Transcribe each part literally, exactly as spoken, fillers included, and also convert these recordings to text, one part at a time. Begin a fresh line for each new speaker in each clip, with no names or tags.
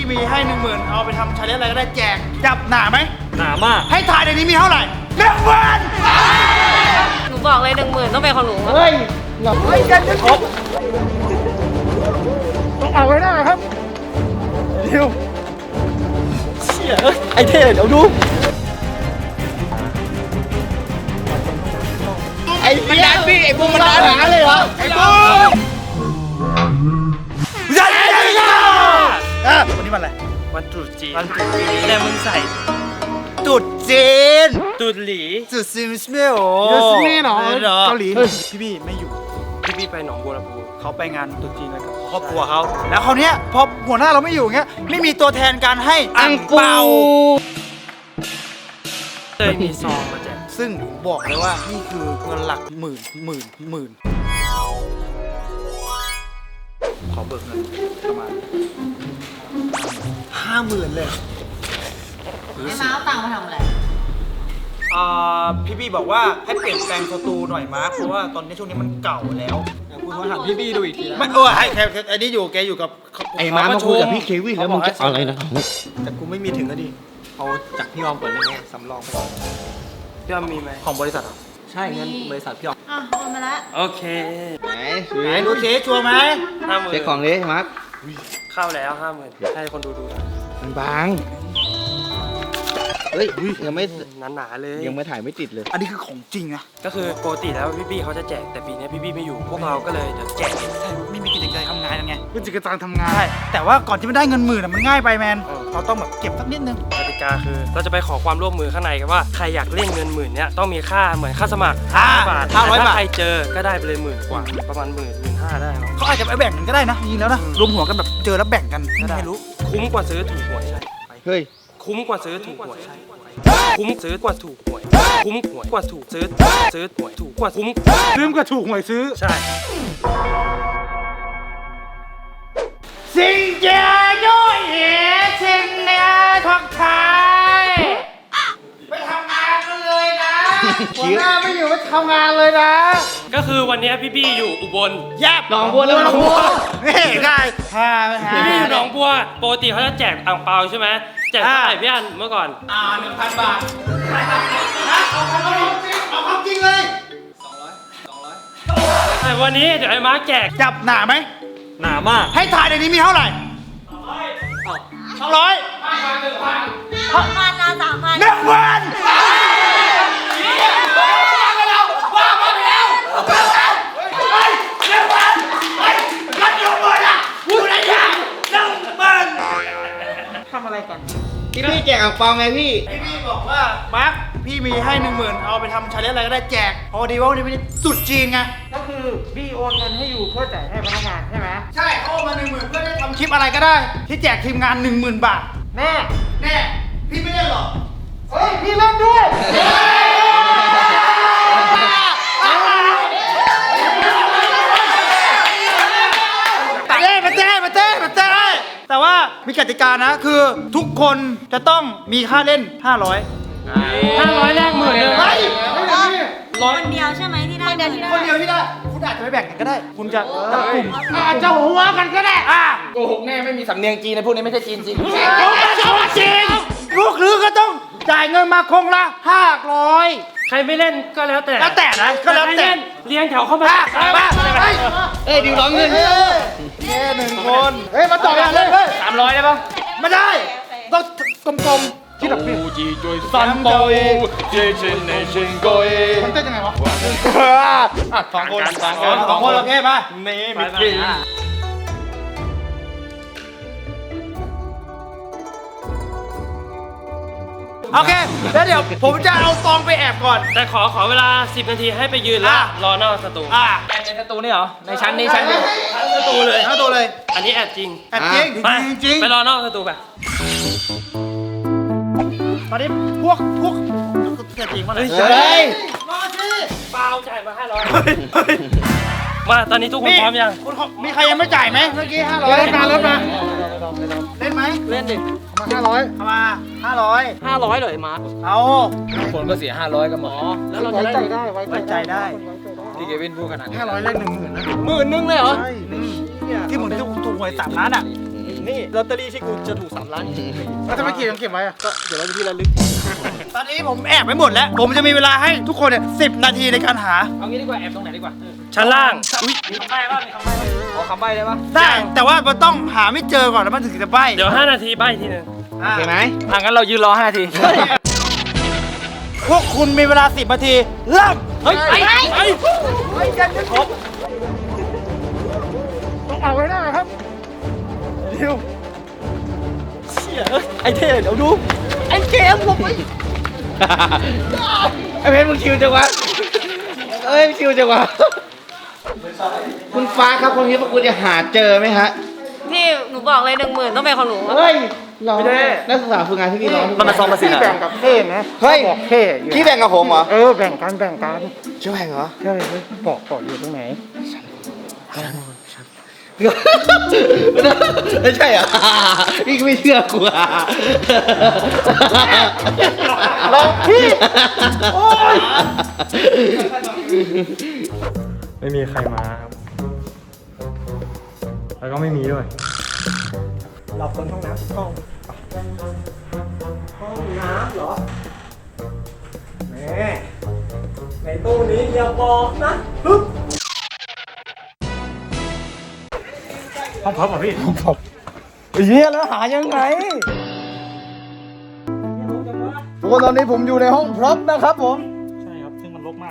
พี่มีให้หนึ่งหมื่นเอาไปทำชาเลนจ์อะไรก็ได้แจกจับหนาไหม
หนามาก
ให้ถ่ายในนี้มีเท่าไหร่หนึ่งหมื่น
หนูบอกเลยหนึ่งหมื่นต้องเป็นของหนู
เฮ้ยเราเฮ้ยกันจะครบต้องเอาไว้ได้ครับเร็ว
เชี่ยไอเท่เดี๋ยวดู
ไอ้มันดันพี่ไอ้บูมมันดันหาเลยเหรอไอ้บูมยันยันยันอ่ะวันนี้วันอะไร
วันตรุษจีน
วันตรุษจีน
แต่มึงใส่
ตรุษจีน
ตรุษหลี
ตรุษซีมิสเมลโอ้ซีมิสเมลเหรอเกาหลีพี่พี่ไม่อยู่
พี่พี่ไปหนองบัวลำพู
เขาไปงานตรุษจีนแล้วกับครอบครัวเขาแล้วคราวนี้พอหัวหน้าเราไม่อยู่เงี้ยไม่มีตัวแทนการให้อั่งเปา
เลยมีซองมาแจก
ซึ่งผมบอกเลยว่านี่คือเงินหลักหมื่นหมื่นหมื่นขอเบิกเงินประมาณห้าหมื่นเลย
ไอ้ม้าเอาตังค์มาทำอะไร
อ่าพี่พี่บอกว่าให้เปลี่ยนแปลงสตูหน่อยมาร์คเพราะว่าตอนนี้ช่วงนี้มันเก่าแล้ว
คุณมาถามพี่บี้ดูอีกที
ไม่เออให้แค่อันนี้อยู่แกอยู่กับ
ไอ้ม้ามาคุยกับพี่เควินแล้วมึงจะอะไรนะแต่กูไม่มีถึงก็ดิเอาจากพี่ออมก่อนได้ไหมสำรองไปก่อน
พี่ออมมีไหม
ของบริษัท
ใช่เงินบริษัทพี่ออม
อ่ะโอนมาแล้ว
โอเค
ไหน
ไหนดูเช็คชัวร์ไหม
ห้าหมื่น
เช็คของเลยมาร์ค
เข้าแล้วห้าหมื่นให้คนดูดู
มันบางเฮ้ยยังไม่
หนาๆเลย
ยังไม่ถ่ายไม่ติดเลย
อันนี้คือของจริงนะ
ก็คือปกติแล้วพี่ๆเขาจะแจกแต่ปีนี้พี่ๆไม่อยู่พวกเราก็เลยเดี๋ยวแจก
ใช่ไม่มีกิจกรรมทำงานกันไงกิจกรรมทำงานใช่แต่ว่าก่อนที่จะได้เงินหมื่นมันง่ายไปแมนเราต้องแบบเก็บสักนิดนึง
กติกาคือเราจะไปขอความร่วมมือข้างในกันว่าใครอยากเล่นเงินหมื่นเนี้ยต้องมีค่าเหมือนค่าสมัครห้าบาท
ห้าร้อยบาท
ใครเจอก็ได้ไปเลยหมื่นกว่าประมาณหมื่นหมื่นห้าได้
เขาอาจจะไปแบ่งกันก็ได้นะจริงแล้วนะรวมหัวกันแบบเจอแล้วแบ่งกันก็ได้รู้
คุ้มกว่าซื้อถูกหวยใช่
เฮ้ย
คุ้มกว่าซื้อถูกหวยคุ้มซื้อกว่าถูกหวยคุ้มหวยกว่าถูกซื้อซื้อหวยถูกกว่าคุ้ม
ซื้อกว่าถูกหวยซื้อ
ใช่
สิงเจียโยเอ๋สิงเนี่ยทักทายไปทำงานกันเลยนะหัวหน้าไม่อยู่ไปทำงานเลยนะ
ก็คือวันนี้พี่บี้อยู่อุบล
แยบหนองบัวแล้วหนองบัวนี่ได้ฮ่า
พี่บี้อยู่หนองบัวปกติเขาจะแจกอ่างเปาใช่ไหมแจกเท่าไหร่พี่อันเมื่อก่อน
อ่าหนึ่งพันบาทนะเอาความจริงเอาความจริงเลย
สองร้อยสองร้อย
แต่วันนี้เดี๋ยวไอ้มาร์คแจก
จับหนาไหม
หนามาก
ให้ถ่ายในนี้มีเท่าไหร่สองร้อยสองร้อย
หนึ่งพันสามพันนะสามพัน
หนึ่งพันว่ามาไปแล้วเฮ้ยหนึ่งพันเฮ้ยกันอยู่หมดอ่ะพูดอะไรอย่างหนึ่งพันทำอะไรกัน
พี่พี่แจกอ่างเปาไงพี่
พี่พี่บอกว่ามาร์คพี่มีให้หนึ่งหมื่นเอาไปทำชาเลนจ์อะไรก็ได้แจกพอดีว่าวันนี้ไม่ได้สุดจีนไง
ก็คือพี่โอนเงินให้อยู่เพื่อจ่ายให้พนักงานใช่ไหม
ใช่เขาโอนมาหนึ่งหมื่นเพื่อได้ทำคลิปอะไรก็ได้ที่แจกทีมงานหนึ่งหมื่นบาท
แน่
แน่พี่ไม่ได้หรอ
เฮ้ยพี่เล่นด้วย
เต้มาเต้มาเต้มาเต้แต่ว่ามีกติกานะคือทุกคนจะต้องมีค่าเล่นห้าร้อย
ห้าร้อยแรกหมื่นเลย
คนเดียวใช่ไหมที่ได้คนเดียวที่ได้
คนเดียวที่ได้คุณอาจจะไปแบ่งกันก็ได้คุณจะจับกลุ่ม
อาจจะหัวกันก็ได้
อ่ะ
โกหกแน่ไม่มีสำเนียงจีนในพวกนี้ไม่ใช่จีนจริง
โกหกจริงลูกหรือก็ต้องจ่ายเงินมาคงละห้าร้อย
ใครไม่เล่นก็แล้วแต่
แล้วแต่นะก็แล้วแต่
เลี้ยงแถวเข้ามา
บ้า
เอ้ยดิวร้องเงิน
เฮ้หนึ่งคนเฮ้ยมาต่อกันเลย
สามร้อยได้ปะ
ไม่ได้ต้องกลมๆที่แบบนี้
ซันโตยเจเจเนเชนโกย
มันเต้นยังไงวะ
สองคน
สองคนสองคนโอเคป่ะ
นี่มิตรี
โอเคแล้วเดี๋ยวผมจะเอาตองไปแอบก่อน
แต่ขอขอเวลาสิบนาทีให้ไปยืนแล้วรอนอกสตู
อ่า
ในสตูนี่เหรอในชั้นนี้ชั้นนี้
สตูเลย
สตูเลย
อันนี้แอบจริง
แอบจริงจริง
ไปรอนอกสตูไป
ตอนนี้พวกพวกเกิดจริงมาเลย
เฮ้ย
มาสิ
เปล่าจ่ายมาห้าร้อยมาตอนนี้ทุกคนพร้อมยัง
มีใครยังไม่จ่ายไหมเมื่อกี้ห้าร้อย
เล่นมาเล่นมา
เล่นไหม
เล่นดิ
มาห้าร้อยเอามาห้าร้อย
ห้าร้อยเลยมา
เอา
คนก็เสียห้าร้อยกันหมด
แล้วเราจะได้ได้
ไว้ใจได้
ที่เควินพูดขนาดนี้
ห้าร้อยเลขหนึ่งหมื่นนะ
หมื่นนึงเลยเหรอ
ใช่ที่เหมือนที่ถูกหวยสามล้านอ่ะ
นี่ลอตเตอรี่ที่กูจะถูกสามล้าน
แล้วทำไมขีดต้องเก็บไว้อะ
ก็เดี๋ยวเราจะที่ระลึก
ตอนนี้ผมแอบไปหมดแล้ว ผมจะมีเวลาให้ทุกคนเนี่ยสิบนาทีในการหา
เอางี้ดีกว่าแอบตรงไหนดีกว่า
ชั้นล่าง
มีคำใบ้ป่ะมีคำใบ้ป่ะ
ขอคำใบ้ได้ปะ
ได้แต่ว่ามันต้องหาไม่เจอก่อนแล้วมันถึงจะใบ้
เดี๋ยวห้านาทีใบทีหนึง
อ่ะ
เห็นไหม
อ่ะงั้นเรายืนรอห้านาที
พวกคุณมีเวลาสิบนาทีเริ่ม
เฮ้ยไปไป
ต้องเอาไว้ได้ครับเร็ว
เชี่ยเอ้ยไอ้เท่เดี๋ยวดูไอ้เกมลงไปไอ้เพชรมึงคิวจังวะเอ้ยคิวจังวะคุณฟ้าครับคนนี้พวกคุณจะหาเจอไหมฮะ
พี่หนูบอกเลยหนึ่งหมื่นต้องเป็นของหนู
เฮ้ยร้องนักศึกษาฝึกงานที่นี่ร้อง
มันมาซ้อมมาสิ
พี่แบ่งกับเท่นะ
เฮ้ย
บอกเท่อยู่
พี่แบ่งกับผมเหรอ
เออแบ่งกันแบ่งกัน
จะแบ่งเหรอ
ใช่เลยบอกบอกอยู่ตรงไหน
ไม่ใช่เหรอพี่ก็ไม่เชื่อกูอ่ะ
ลองพี่โอ้ย
ไม่มีใครมาครับ แล้วก็ไม่มีด้วย
หลับคนห้องน้ำห้องห้องน้ำเหรอแม่ในตู้นี้อย่าบอกนะปึ๊บ
ห้องพับเหรอพี่
เฮียแล้วหายังไงทุกคนตอนนี้ผมอยู่ในห้องพร็อพนะครับผม
ใช่ครับ ซึ่งมันรกมาก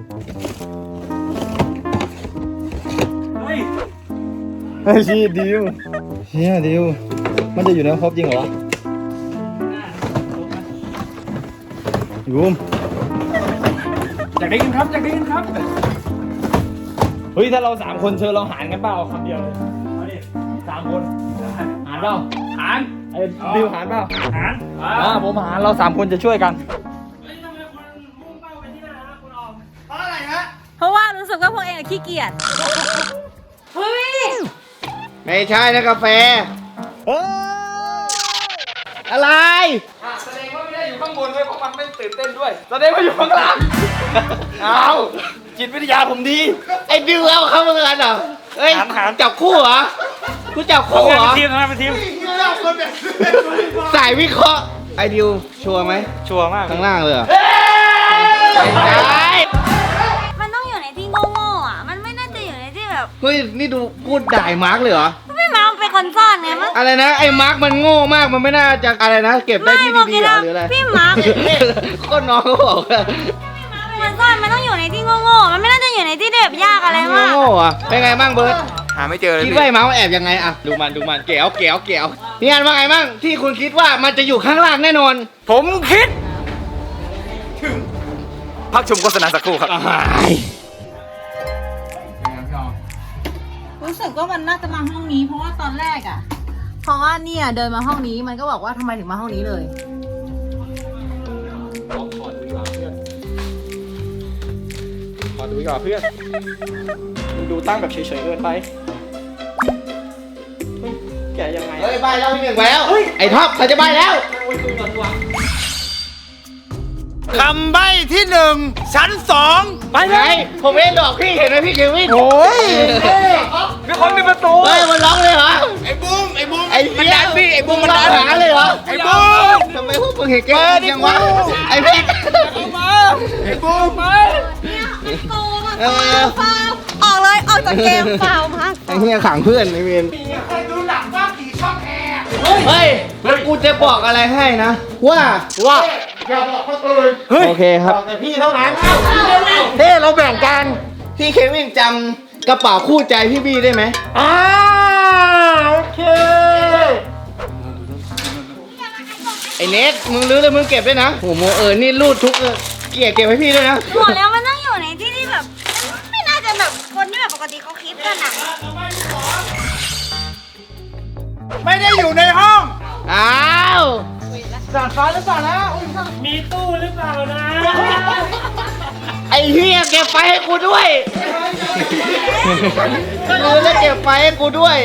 เฮ้ยชีดิวเฮียดิวมันจะอยู่ในห้องพร็อพจริงเหรอยูม
อยากได้ยินครับอยากได้ยินครับ
เฮ้ย ถ้าเราสามคนเชิญเราหารกันเปล่าคำเดียวเลยเอาดิสามคนหารเปล่าหารไอ้ดิวหารเปล่าหารอ่าผมหารเราสามคนจะช่วยกัน
เพราะอะไรฮะ
เพราะว่ารู้สึกว่าพวกเองอะขี้เกียจ เฮ้ย
ไม่ใช่นะกาแฟเฮ้ยอะไร
แสดงว่าไม่ได้อยู่ข้างบนด้วยเพราะมันไม่ตื่นเต้นด้วย แสดงว่าอยู่ข้างล่าง
เอาจิตวิทยาผมดี ไอ้ดิวเอาเข้ามากันเหรอเฮ้ย
หารหาร
จับคู่เหรอกูจับคู่เหรอ
ทำงานเป็นทีมทำงานเป็นทีม
สายวิเคราะห์ไอ้ดิวชัวร์ไหม
ชัวร์มาก
ข้างล่างเลยเหรอไม่ใช่
มันต้องอยู่ในที่โง่ๆอ่ะ มันไม่น่าจะอยู่ในที่แบบ
เฮ้ยนี่ดูพูดด่ายมาร์กเลยเหรอ
พี่มาเป็นคนซ่อนไงมั้ง
อะไรนะไอ้มาร์กมันโง่มากมันไม่น่าจะอะไรนะ เก็บได้ที่ดีๆเหรอหรืออะไร
พี่มาร์ค
ก็น้องเขาบอกว่า
เป็นคนซ่อนมันต้องอยู่ในที่โง่ๆมันไม่น่าจะอยู่ในที่ที่แบบยากอะไรมาก
โง่อะเป็นไงบ้างเบิร์ต
หาไม่เจอเลย
คิดว่าไอ้มาร์กมันแอบยังไงอะดูมันดูมันเก๋วเก๋วเก๋วพี่อันว่าไงบ้างที่คุณคิดว่ามันจะอยู่ข้างล่างแน่นอน
ผมคิด ถึง พักชมโฆษณาสักครู่ครับ
รู้สึกว่ามันน่าจะมาห้องนี้ เพราะว่าตอนแรกอ่ะ เพราะว่าเนี่ยเดินมาห้องนี้มันก็บอกว่าทำไมถึงมาห้องนี้เลย
ขอดูก่อนเพื่อนมึงดูตั้งแบบเฉยๆเกินไปแกยังไงเฮ้ยใบแล้วพี่หนึ่งแล้วไอ้ท็อปเขาจะใบแล้ว
คำใบ้ที่หนึ่งชั้นสอง
ไปไหนผมไม่ได้หลอกพี่เห็นไหมพี่เควิน
โอ้ย
มีคนมีประตู
เฮ้ยมันร้องเลยเหรอ
ไอ้บูมไอ้บูม
ไอ้มันดันพี่ไอ้บุ้มมันดันหาเลยเหรอ
ไอ้บูม
ทำไมพวกมึงเห็นแกยังวะไอ้พี่
ไอ้บูมมา
โกงอะฟาวออกเลยออกจากเกมฟาวมาก
ไอ้เหี้ยขังเพื่อนไอ้เวน
เคยดูหนังบ้างผีช่องแอร์
เฮ้ยแล้วกูจะบอกอะไรให้นะ ว่าว่า
อย่าบอกคนอื่น
โอเคครับ
แต่พี่เท่านั้นเฮ้เราแบ่งกัน
พี่เควินจำกระเป๋าคู่ใจพี่บี้ได้ไหม
อ่าโอเค
ไอ้เนทมึงรื้อเลยมึงเก็บด้วยนะโอ้โหเออนี่รูดทุกเกียร์เก็บให้พี่ด้วยนะ
บอกแล้วมันต้องอยู่ในที่ที่แบบ ไม่น่าจะแบบคนที่แบบปกติเขาคิดกันอะ
ไม่ได้อยู่ในห้อง
อ้าว
สานฟ้าหรือเปล่านะอุ๊ย
มีตู้หรือเปล่านะ
ไอ้เฮียเก็บไฟให้กูด้วยรื้อแล้วเก็บไฟให้กูด้วย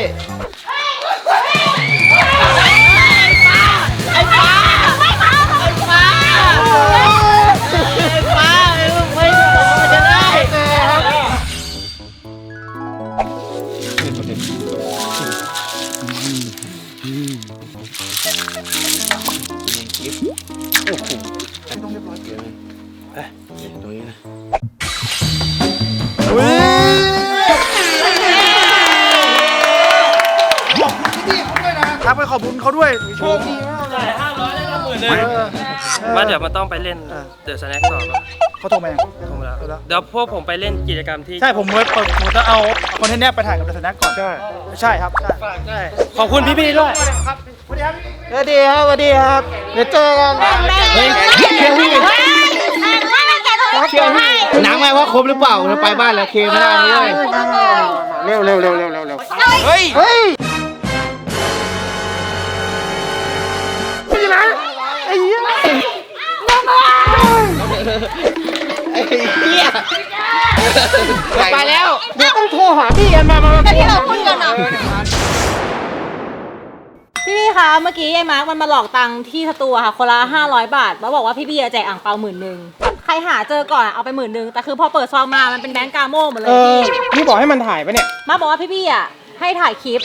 ไอ้ฟ้าไอ้ฟ้าไอ้ฟ้าไอ้ฟ้าไอ้ลูกไม่บอกว่าจะได้กิฟต์โอ้โหต้องเรียบร้อยเกินเอ้ยตรงนี้นะ
ทักไปขอบคุณเขาด้วยโชคดีมากเลย
ห้าร้อยได้ละหมื่นเลย
ว่าเดี๋ยวมันต้องไปเล่นเดอะสแน็คต่อครับ
เขาโทรมายัง
โทรมาแล้วเดี๋ยวพวกผมไปเล่นกิจกรรมที่
ใช่ผมเวิร์ดผมจะเอาคอนเทนต์เนี้ยไปถ่ายกับดัชนักก่อนใช่ใช่ครับใช่
ขอบคุณพี่ๆด้วย
ครับสวัสดีครับสวัสดีครับสวัสดีครับเดี๋ยวเจอกัน
เฮ้ยเชียร์พี่เชียร์พี่หนังไหมว่าครบหรือเปล่าเราไปบ้านแล้วเคไม่ได้เลย
เร็วเร็วเร็วเร็วเร็วเร็ว
เฮ้ย
เฮ้ยไม่ใช่ไอ้เหี้ย
ไอ้เหี้ยไปแล้ว
เดี๋ยวต้องโทรหาพี่กันมามามา
ที่เราคุยกันเนาะพี่พี่คะเมื่อกี้ไอ้มาร์คมันมาหลอกตังค์ที่สตูอะค่ะคนละห้าร้อยบาทแล้วบอกว่าพี่พี่จะแจกอ่างเปาหมื่นหนึ่งใครหาเจอก่อนอะเอาไปหมื่นหนึ่งแต่คือพอเปิดซองมามันเป็นแบงก์กาโม่หมดเล
เอย อ
พี่
พี่บอกให้มันถ่ายปะเนี่ย
มาบอกว่าพี่พี่อะให้ถ่ายคลิป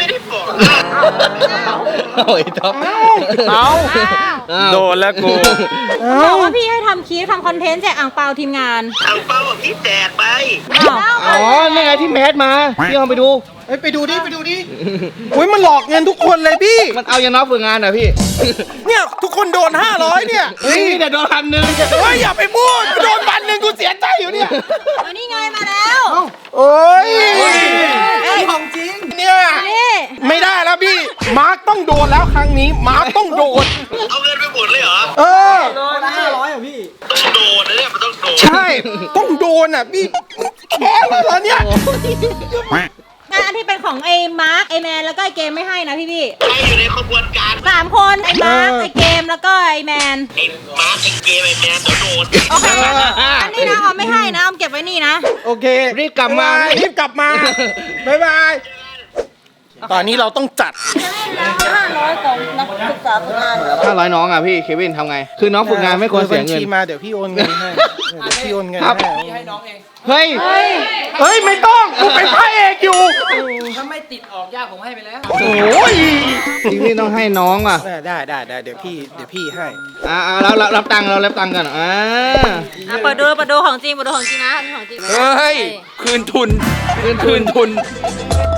โอ้ยท็อป
เอา
โดนแล้วกู
บอกว่าพี่ให้ทำคลิปทำคอนเทนต์แจกอ่างเปาทีมงาน
อังเปาที่แจกไป
อ้าว
อ๋อนี่ไงที่แมสมาพี่ลองไปดู
เฮ้ยไปดูดิไปดูดิอุ้ยมันหลอกเงินทุกคนเลยพี่
มันเอายันน้องฝึกงานเหรอพี่
เนี่ยทุกคนโดนห้าร้อยเนี่ย
เฮ้ยแต่โดนพันหนึ่ง
เฮ้ยอย่าไปพูดโดนพันหนึ่งกูเสียใจอยู่เนี่ย
เอานี่ไงมาแล้ว
โอ้ย
ของจริง
เนี่ย
นี่
ไม่ได้แล้วพี่ มาร์คต้องโดนแล้วครั้งนี้ มาร์คต้องโดน
เอาเงินไปหมดเลยเหรอ
เออ
ต้องโดนนะเนี่ยมันต้องโดน
ใช่ ต้องโดนอ่ะพี่แค้นเลยเหรอเนี่ย
งานที่เป็นของไอ้มาร์คไอ้แมนแล้วก็ไอ้เกมไม่ให้นะพี่พี่
ใครอยู่ในขบวนการ
สามคนไอ้มาร์คไอ้เกมแล้วก็ไอ้แมน
ไอ้มาร์คไอ้เกมไอ้แมนเดี๋ยวโดน
โอเคอันนี้นะเอาไม่ให้นะเอาเก็บไว้นี่นะ
โอเค
รีบกลับมา
รีบกลับมา บ๊ายบาย ตอนนี้เราต้องจัด
ห้าร้อยของนักศึกษาฝึกงาน
ถ้าร้อยน้องอ่ะพี่เควินทำไง คือน้องฝึกงานไม่ควรเสียเงิน
บัญชีมาเดี๋ยวพี่โอนเงินให้เดี๋ยวพี่โอนเงิน
ครับ
ให้
เฮ้ย
เฮ้ยไม่ต้องกูเป็นพระเอกอยู่
ถ้าไม่ติดออกยากผมให้ไปแล้ว
โอ้ย
พี่พี่ต้องให้น้องอ่ะ
ได้ได้ได้เดี๋ยวพี่เดี๋ยวพี่ให้
อ่าเรารับรับตังค์เรารับตังค์กันอ่า
อ่ะเปิดดูเปิดดูของจริงเปิดดูของจริงนะอันนี้ของจริง
เฮ้ย คืนทุน คืนทุน